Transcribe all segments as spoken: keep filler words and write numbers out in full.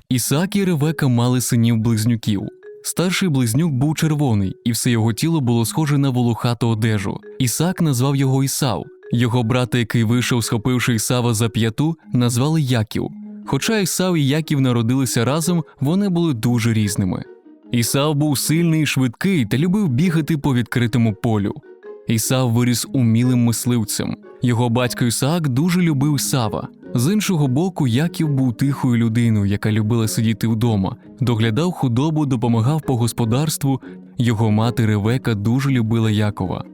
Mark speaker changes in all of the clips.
Speaker 1: Ісаак і Ревека мали синів-близнюків. Старший близнюк був червоний, і все його тіло було схоже на волохату одежу. Ісаак назвав його Ісав. Його брата, який вийшов, схопивши Ісава за п'яту, назвали Яків. Хоча Ісав і Яків народилися разом, вони були дуже різними. Ісав був сильний і швидкий та любив бігати по відкритому полю. Ісав виріс умілим мисливцем. Його батько Ісаак дуже любив Ісава. З іншого боку, Яків був тихою людиною, яка любила сидіти вдома, доглядав худобу, допомагав по господарству. Його мати Ревека дуже любила Якова.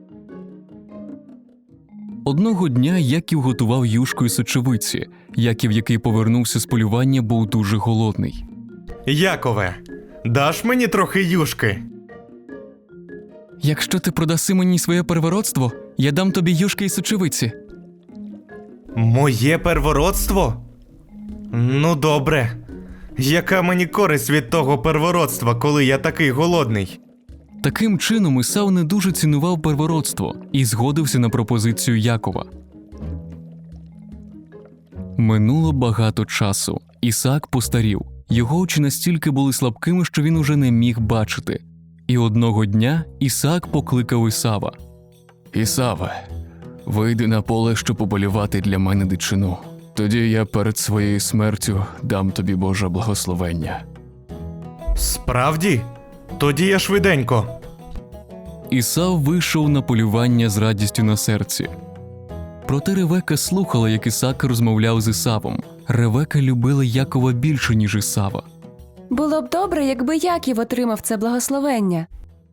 Speaker 1: Одного дня Яків готував юшку із сочевиці. Яків, який повернувся з полювання, був дуже голодний.
Speaker 2: Якове, даш мені трохи юшки?
Speaker 1: «Якщо ти продаси мені своє первородство, я дам тобі юшки із сочевиці».
Speaker 2: Моє первородство? Ну добре. Яка мені користь від того первородства, коли я такий голодний?
Speaker 1: Таким чином Ісав не дуже цінував первородство і згодився на пропозицію Якова. Минуло багато часу. Ісаак постарів. Його очі настільки були слабкими, що він уже не міг бачити. І одного дня Ісаак покликав Ісава. «Ісаве, вийди на поле, щоб поболівати для мене дичину. Тоді я перед своєю смертю дам тобі Боже благословення».
Speaker 2: Справді? Тоді я швиденько.
Speaker 1: Ісав вийшов на полювання з радістю на серці. Проте Ревека слухала, як Ісаак розмовляв з Ісавом. Ревека любила Якова більше, ніж Ісава.
Speaker 3: Було б добре, якби Яків отримав це благословення.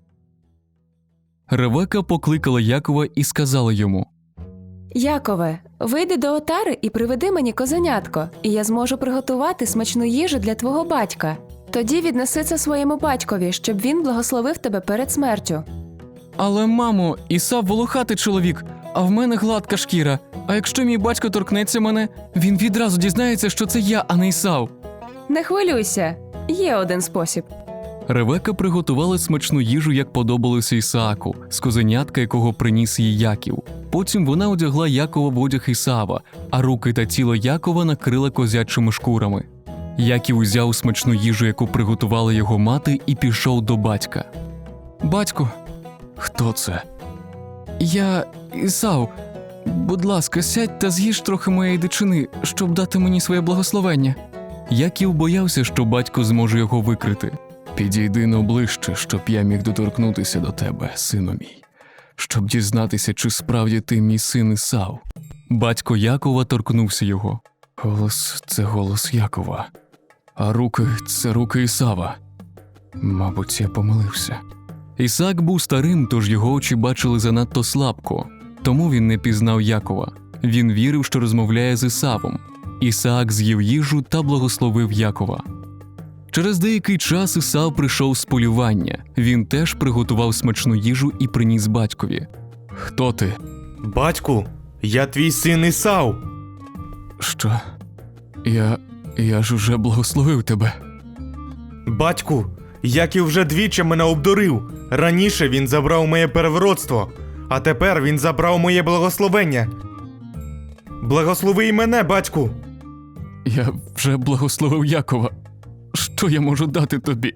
Speaker 1: Ревека покликала Якова і сказала йому:
Speaker 3: Якове, вийди до отари і приведи мені козенятко, і я зможу приготувати смачну їжу для твого батька. Тоді віднеси це своєму батькові, щоб він благословив тебе перед смертю.
Speaker 1: «Але, мамо, Ісав волохатий чоловік, а в мене гладка шкіра. А якщо мій батько торкнеться мене, він відразу дізнається, що це я, а не Ісав».
Speaker 3: Не хвилюйся, є один спосіб.
Speaker 1: Ревека приготувала смачну їжу, як подобалося Ісааку, з козенятка, якого приніс їй Яків. Потім вона одягла Якова в одяг Ісава, а руки та тіло Якова накрила козячими шкурами. Яків узяв смачну їжу, яку приготувала його мати, і пішов до батька. «Батько». «Хто це?» «Я Ісав. Будь ласка, сядь та з'їж трохи моєї дичини, щоб дати мені своє благословення». Яків боявся, що батько зможе його викрити. «Підійди но ближче, щоб я міг доторкнутися до тебе, сину мій, щоб дізнатися, чи справді ти мій син Ісав». Батько Якова торкнувся його. «Голос – це голос Якова, а руки – це руки Ісава. Мабуть, я помилився». Ісаак був старим, тож його очі бачили занадто слабко, тому він не пізнав Якова. Він вірив, що розмовляє з Ісавом. Ісаак з'їв їжу та благословив Якова. Через деякий час Ісав прийшов з полювання. Він теж приготував смачну їжу і приніс батькові. «Хто ти?»
Speaker 2: Батьку, я твій син Ісав.
Speaker 1: «Що? Я... я ж уже благословив тебе».
Speaker 2: Батьку, Яків вже двічі мене обдурив. Раніше він забрав моє первородство, а тепер він забрав моє благословення. Благослови й мене, батьку.
Speaker 1: «Я вже благословив Якова. Що я можу дати тобі?»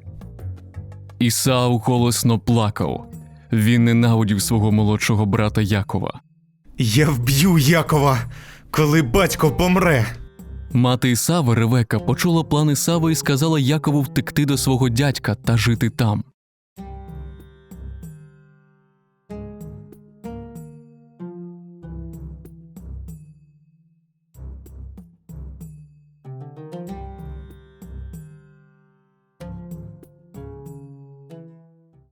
Speaker 1: Ісав голосно плакав. Він ненавидів свого молодшого брата Якова.
Speaker 2: Я вб'ю Якова, коли батько помре.
Speaker 1: Мати Ісава, Ревека, почула план Ісава і сказала Якову втекти до свого дядька та жити там.